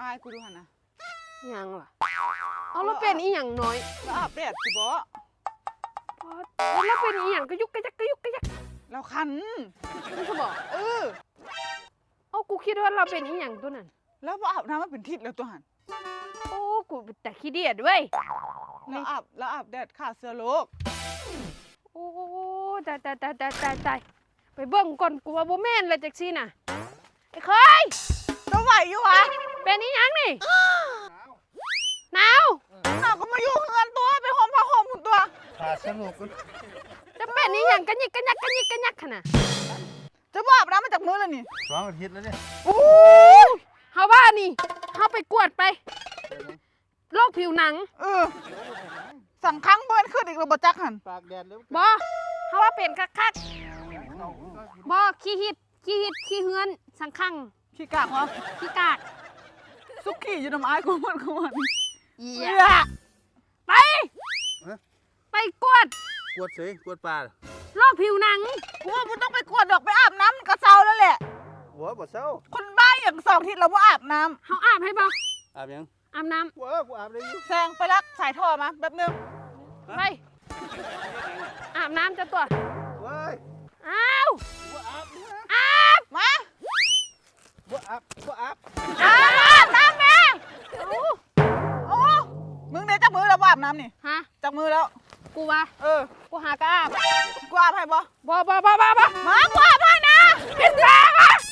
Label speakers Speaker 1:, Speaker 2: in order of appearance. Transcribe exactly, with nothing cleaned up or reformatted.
Speaker 1: ายกูดูหันนะ
Speaker 2: ยังล่ะเอาแล้วเป็นอีหยังน้อย
Speaker 1: แล้วอาบแดดสิบ่
Speaker 2: แล้วเป็นอีหยังกระยุกกระยักกระยุกกระยัก
Speaker 1: แล้วคัน
Speaker 2: นี่เขาบอก
Speaker 1: เออ
Speaker 2: เอากูคิดว่าเราเป็นอีหยังตัวนั้น
Speaker 1: แล้วบ่อาบน้ำมาเป็นทิศแล้วตัวหัน
Speaker 2: โอ้กูแต่ขี้เดียดเว้ย
Speaker 1: แล้วอาบแล้วอาบแดดขาเสื้อโลก
Speaker 2: โอ้ตายตายตายตายตายตายไปเบิ่งก่อนกูว่าบ่แม่นเลยจักซี่น่ะไอ้เคย
Speaker 1: จะไหวอยู่วะ
Speaker 2: เป็นอีหยังนี่หนาว
Speaker 1: น่าก็มาอยู่เงินตัวไปห่มผ้าห่มหุ่นตัว
Speaker 3: ขาสนุกกัน
Speaker 2: จะเป็นอีหยังกันยิกกันยักกันยิกกันยักขนาด
Speaker 1: จะบ่อาบน้ำมาจากมือแล้วนี่
Speaker 3: สองอาทิตย์แล้วเนี่ย
Speaker 1: โอ้ย
Speaker 2: เฮาว่านี่เฮาไปกวดไปโรคผิวหนัง
Speaker 1: เออสั่งครั้งเบิ้นขึ้นอีกแล้วบ่จักหัน
Speaker 3: ปากแดดแล้ว
Speaker 2: บ่เฮาว่าเป็นคักๆบ่ขี้หิดขี้หิดขี้เฮือนสังคัง
Speaker 1: ขี้กากเหรอ
Speaker 2: ขี้กาก
Speaker 1: สุกี้อยู่น้ำอายกูมันกูมัน
Speaker 2: เอี
Speaker 1: เอี
Speaker 2: ย
Speaker 1: ย
Speaker 2: ไป ไปกวด
Speaker 3: กวดเสยกวดปลา
Speaker 2: โรคผิวหนัง
Speaker 1: กูว่ามึงต้องไปกวดดอกไปอาบน้ำกระเซาแล้วแหละ
Speaker 3: หัวบ่เศร้า
Speaker 1: คนบ้าอย่างสองทิศเราว่าอาบน้
Speaker 2: เฮาอาบให้บ่
Speaker 3: อาบยัง
Speaker 2: อาบน้ำ
Speaker 3: หัวกูอาบได้อยู่
Speaker 1: ำแซงไปรักสายท่อมาแป๊บนึง
Speaker 2: ไปอาบน้ำจะตัว
Speaker 3: เว้ย
Speaker 2: อ้าว
Speaker 3: บ่อาบ
Speaker 2: อาบ
Speaker 1: มา
Speaker 3: บ่อาบบ่อาบ
Speaker 1: อาบน้ำแม่
Speaker 2: เอา
Speaker 1: โอ้มึงเนี่ยจับมือแล้วว่าอาบน้ำนี่
Speaker 2: ฮะ
Speaker 1: จับมือแล้ว
Speaker 2: กูว่า
Speaker 1: เออ
Speaker 2: กูหากระอาบ
Speaker 1: กูอาบให้บ่
Speaker 2: บ่บ่บ่บ่บ่
Speaker 1: มากูอาบให้นะ
Speaker 2: เป็นแรงอ่ะ